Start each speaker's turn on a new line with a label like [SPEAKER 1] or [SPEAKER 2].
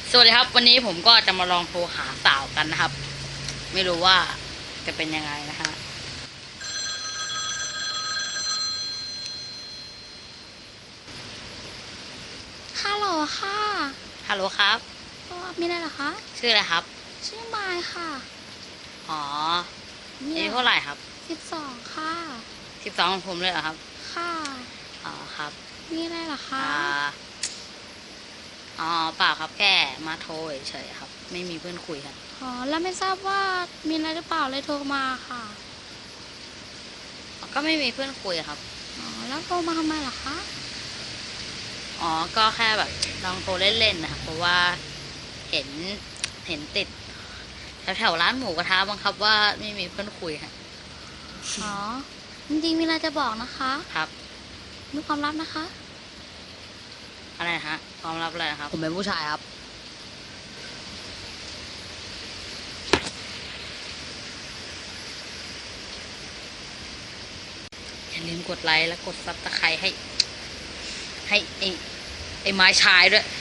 [SPEAKER 1] สวัสดีครับวันนี้ผมก็จะมาลองโทรหาสาวกันนะครับไม่รู้ว่าจะเป็นยังไงนะฮะ
[SPEAKER 2] ฮัลโหลค่ะ
[SPEAKER 1] ฮัลโหลครับ
[SPEAKER 2] มีอะไรเหรอคะ
[SPEAKER 1] ชื่ออะไรครับ
[SPEAKER 2] ชื่อมายค่ะ
[SPEAKER 1] อ๋อ
[SPEAKER 2] มี
[SPEAKER 1] อายุ
[SPEAKER 2] อะไร
[SPEAKER 1] เท่าไหร่ครับ
[SPEAKER 2] 12ค่ะ
[SPEAKER 1] 12ของผมเลยเหรอครับ
[SPEAKER 2] ค่ะ
[SPEAKER 1] อ๋อครับ
[SPEAKER 2] มีอะไรเหรอคะ
[SPEAKER 1] อ่าอ๋อเปล่าครับแค่มาโทรเฉยๆครับไม่มีเพื่อนคุยครับ
[SPEAKER 2] อ๋อแล้วไม่ทราบว่ามีอะไรหรือเปล่าเลยโทรมาค่ะ
[SPEAKER 1] ก็ไม่มีเพื่อนคุยครับ
[SPEAKER 2] อ๋อแล้วโทรมาทำไมเหรอคะ
[SPEAKER 1] อ๋อก็แค่แบบลองโทรเล่นๆนะครับเพราะว่าเห็นเห็นติดแถวๆร้านหมูกระทะบังคับว่าไม่มีเพื่อนคุยครับ
[SPEAKER 2] อ๋อจริงๆมีอะไรจะบอกนะคะ
[SPEAKER 1] ครับ
[SPEAKER 2] มีความลับนะคะ
[SPEAKER 1] อะไรนะฮะความลับอะไรนะครับผมเป็นผู้ชายครับอย่าลืมกดไลค์และกดซับสไครต์ให้ไอ้ไม้ชายด้วย